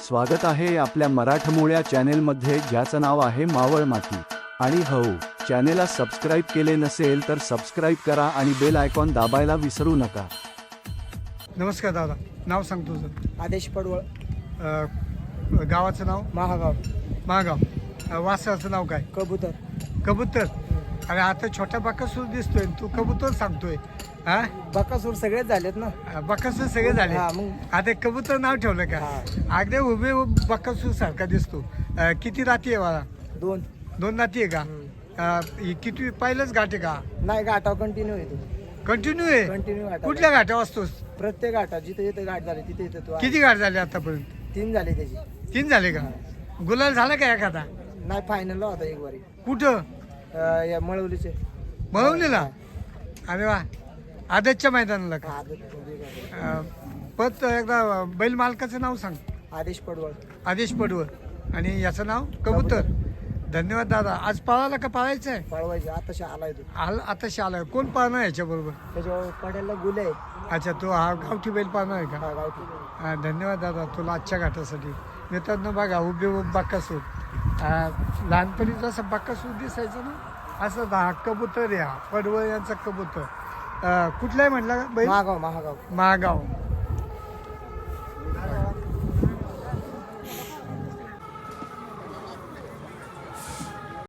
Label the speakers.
Speaker 1: स्वागत आहे आपल्या मराठमोळ्या चॅनेलमध्ये, ज्याचं नाव आहे मावळ माती. आणि हो, चॅनेलला सबस्क्राईब केले नसेल तर सबस्क्राईब करा आणि बेल आयकॉन दाबायला विसरू नका.
Speaker 2: नमस्कार दादा, नाव सांग तुझं.
Speaker 3: आदेश पडवळ,
Speaker 2: गावाचं नाव?
Speaker 3: महागाव.
Speaker 2: महागाव. वासराचं नाव काय?
Speaker 3: कबूतर.
Speaker 2: कबूतर. अरे आता छोटा बकासूर दिसतोय, तू कबूतर सांगतोय. हा,
Speaker 3: बकासूर सगळेच झालेत ना.
Speaker 2: बकासूर सगळे झाले.
Speaker 3: हा, मग.
Speaker 2: आता कबूतर नाव ठेवलं का? अगदी उभे बकासूर सारखा दिसतो. किती राती आहे मला? दोन राती आहे का? ही किती पहिलंच घाट आहे का?
Speaker 3: नाही, घाटावर कंटिन्यू येतो.
Speaker 2: कंटिन्यू आहे?
Speaker 3: कंटिन्यू घाट.
Speaker 2: कुठल्या घाटावर असतोस?
Speaker 3: प्रत्येक घाटात जिथे जिथे घाट झाले तिथे तिथे तो आहे.
Speaker 2: किती घाट झाले आतापर्यंत?
Speaker 3: 3 झाले त्याची.
Speaker 2: 3 झाले का? गुलाल झाला का एखादा?
Speaker 3: नाही, फायनलला होता एक वारी.
Speaker 2: कुठं?
Speaker 3: या मळवलीचे.
Speaker 2: मळवलेला? अरे वा. आदतच्या मैदानाला का? पत एकदा बैल मालकाचं नाव सांग.
Speaker 3: आदेश पडवळ.
Speaker 2: आदेश पडवळ. आणि याचं नाव? कबूतर. धन्यवाद दादा. आज पळाला का पळायचं आहे?
Speaker 3: पळवायचे आताशी आलाय तो.
Speaker 2: आताशी आलाय. कोण पाळणार याच्याबरोबर?
Speaker 3: त्याच्यावर पड्याला गुले आहे.
Speaker 2: अच्छा, तो हा गावठी बैल पाळणार आहे का?
Speaker 3: हा, गावठी.
Speaker 2: धन्यवाद दादा तुला आजच्या घाटासाठी. मित्रांनो बघा, उभे बक्कासूर. लहानपणी जसं बक्कासूर दिसायचं ना, असं हा कबूतर आहे. हा पडवळ यांचा कबूतर. कुठलाही म्हटलं बैल?
Speaker 3: महागाव.
Speaker 2: महागाव.